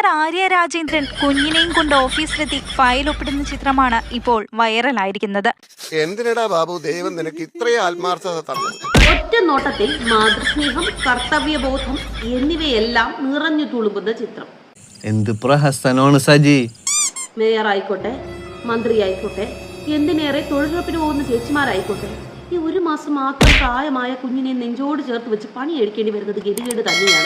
Mayor Arya Rajendran കുഞ്ഞിനെയും കൊണ്ട് ഓഫീസിലെത്തി file ഒപ്പിടുന്ന ചിത്രമാണ് ഇപ്പോൾ വൈറലായിരിക്കുന്നത്. എന്തിനടാ ബാബു ദൈവം നിനക്ക് ഇത്രയും ആത്മാർത്ഥത തന്നത്? ഒറ്റ നോട്ടത്തിൽ മാതൃസ്നേഹം, കർത്തവ്യബോധം എന്നിവയെല്ലാം നിറഞ്ഞു തുളുമ്പുന്ന ചിത്രം. എന്ത് പ്രഹസനമാണ് സജി. മേയർ ആയിക്കോട്ടെ, മന്ത്രി ആയിക്കോട്ടെ, എന്തിനേറെ തൊഴിലുറപ്പിന് പോകുന്ന ചേച്ചിമാരായിക്കോട്ടെ, ഈ ഒരു മാസം മാത്രം പ്രായമായ കുഞ്ഞിനെ നെഞ്ചോട് ചേർത്ത് വെച്ച് പണി എടുക്കേണ്ടി വരുന്നത് ഗതികേട് തന്നെയാണ്.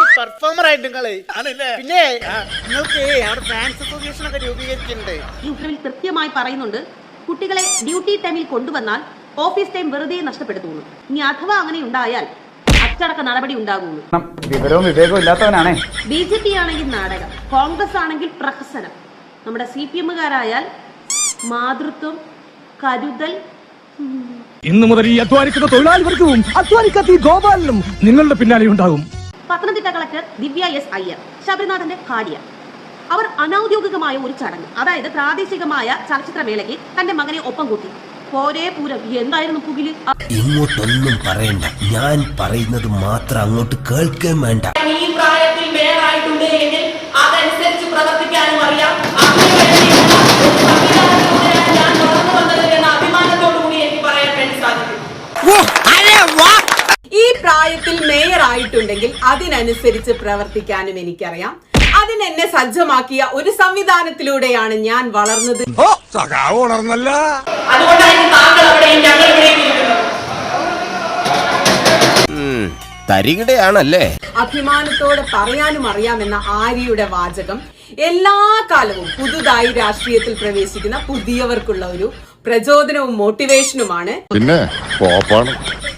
ഈ ഉത്തരവിൽ കൃത്യമായി പറയുന്നുണ്ട്, കുട്ടികളെ ഡ്യൂട്ടി ടൈമിൽ കൊണ്ടുവന്നാൽ ഓഫീസ് ടൈം വെറുതെ നഷ്ടപ്പെടുത്തുന്നു. ഇനി അഥവാ അങ്ങനെ ഉണ്ടായാൽ അച്ചടക്ക നടപടി ഉണ്ടാകുന്നു. വിവരവും വിവേകവും ഇല്ലാത്തവനാണേ. BJP ആണെങ്കിൽ നാടകം, കോൺഗ്രസ് ആണെങ്കിൽ പ്രഹസനം, നമ്മുടെ CPM-കാരായാൽ മാതൃത്വം, കരുതൽ. ഇന്നു മുതൽ ഈ അധ്വാനിക്കുന്ന തൊഴിലാളി വർഗവും അധ്വാനിക്കാത്ത ഗോപാലനും നിങ്ങളുടെ പിന്നാലെ ഉണ്ടാകും. Pathanamthitta collector Divya S. അയ്യർ, ശബരിനാഥന്റെ ഭാര്യ, അവർ അനൌദ്യോഗികമായ ഒരു ചടങ്ങ്, അതായത് പ്രാദേശികമായ ചലച്ചിത്രമേളയ്ക്ക് തന്റെ മകനെ ഒപ്പം കൂട്ടി. പോരേ പൂരം. എന്തായിരുന്നു പുകില്? ഇങ്ങോട്ടൊന്നും പറയണ്ട, ഞാൻ പറയുന്നത് മാത്രം അങ്ങോട്ട് കേൾക്കാൻ വേണ്ട. ഈ പ്രായത്തിൽ മേയറായിട്ടുണ്ട് എങ്കിൽ അതനുസരിച്ച് പ്രവർത്തിക്കാനും അറിയാം. ഞാൻ വളർന്നു വന്നത് എന്ന അഭിമാനത്തോടുകൂടി എനിക്ക് പറയാൻ വേണ്ടി സാധിക്കും. ഈ പ്രായത്തിൽ മേയർ ആയിട്ടുണ്ടെങ്കിൽ അതിനനുസരിച്ച് പ്രവർത്തിക്കാനും എനിക്കറിയാം. അതിനെന്നെ സജ്ജമാക്കിയ ഒരു സംവിധാനത്തിലൂടെയാണ് ഞാൻ വളർന്നത്. അതുകൊണ്ടാണ് താങ്കൾ അവിടെയും ഞങ്ങൾ ഇവിടെയും ഇരിക്കുന്നത്. തരികിടയാണല്ലേ? അഭിമാനത്തോടെ പറയാനും അറിയാമെന്ന ആര്യയുടെ വാചകം എല്ലാ കാലവും പുതുതായി രാഷ്ട്രീയത്തിൽ പ്രവേശിക്കുന്ന പുതിയവർക്കുള്ള ഒരു പ്രചോദനവും മോട്ടിവേഷനുമാണ്. പിന്നെ